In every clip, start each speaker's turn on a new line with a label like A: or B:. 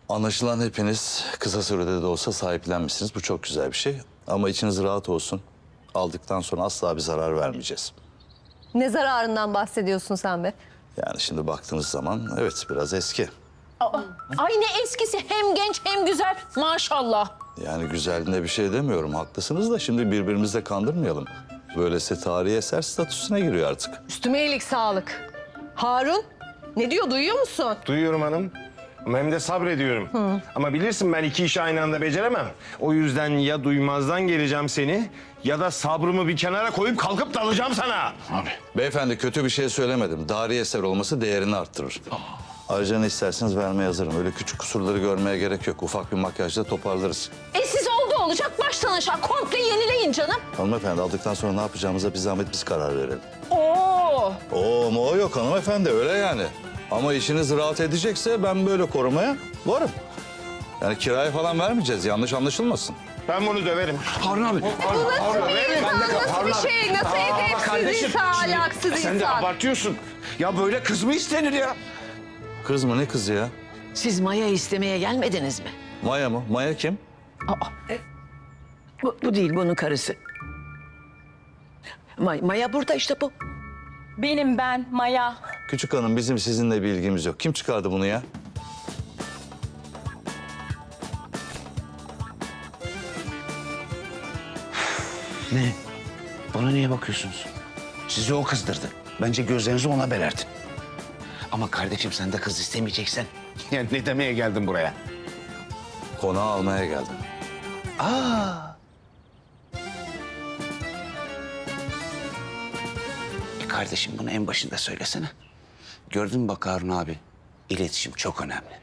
A: Anlaşılan hepiniz kısa sürede de olsa sahiplenmişsiniz. Bu çok güzel bir şey. Ama içiniz rahat olsun. Aldıktan sonra asla bir zarar vermeyeceğiz.
B: Ne zararından bahsediyorsun sen be?
A: Yani şimdi baktığınız zaman evet biraz eski.
C: Ay ne eskisi, hem genç hem güzel maşallah.
A: Yani güzelliğine bir şey demiyorum. Haklısınız da şimdi birbirimizi de kandırmayalım. Böylesi tarihi eser statüsüne giriyor artık.
B: Üstüme iyilik sağlık. Harun, ne diyor duyuyor musun?
D: Duyuyorum hanım. Ama hem de sabrediyorum. Ama bilirsin ben iki işi aynı anda beceremem. O yüzden ya duymazdan geleceğim seni ya da sabrımı bir kenara koyup kalkıp dalacağım sana.
A: Abi. Beyefendi kötü bir şey söylemedim. Tarihi eser olması değerini arttırır. Ayrıca ne isterseniz vermeye hazırım. Öyle küçük kusurları görmeye gerek yok. Ufak bir makyajla toparlarız.
C: Siz oldu olacak baştan aşağı komple yenileyin canım.
A: Hanımefendi aldıktan sonra ne yapacağımıza bir zahmet biz karar verelim.
C: Oo.
A: O yok hanımefendi öyle yani. Ama işiniz rahat edecekse ben böyle korumaya varım. Yani kiraya falan vermeyeceğiz yanlış anlaşılmasın.
D: Ben bunu döverim.
E: Harun abi.
B: Nasıl bir insan, nasıl bir şey, nasıl edepsiz insan, ahlaksız
D: Sen de
B: insan?
D: abartıyorsun. Ya böyle kız mı istenir ya?
A: Kız mı ne kızı ya?
F: Siz Maya istemeye gelmediniz mi?
A: Maya mı? Maya kim?
F: Bu değil, bunun karısı. Maya burada işte bu.
C: Benim ben Maya.
A: Küçük hanım bizim sizinle bir ilgimiz yok. Kim çıkardı bunu ya?
E: Ne? Bana niye bakıyorsunuz? Sizi o kızdırdı. Bence gözlerinizi ona belertin. Ama kardeşim sen de kız istemeyeceksen. Yani ne demeye geldin buraya?
A: Konağı almaya geldim.
E: Kardeşim bunu en başında söylesene. Gördün mü bak Harun abi? İletişim çok önemli.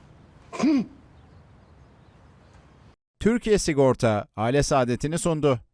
G: Türkiye Sigorta aile saadetini sundu.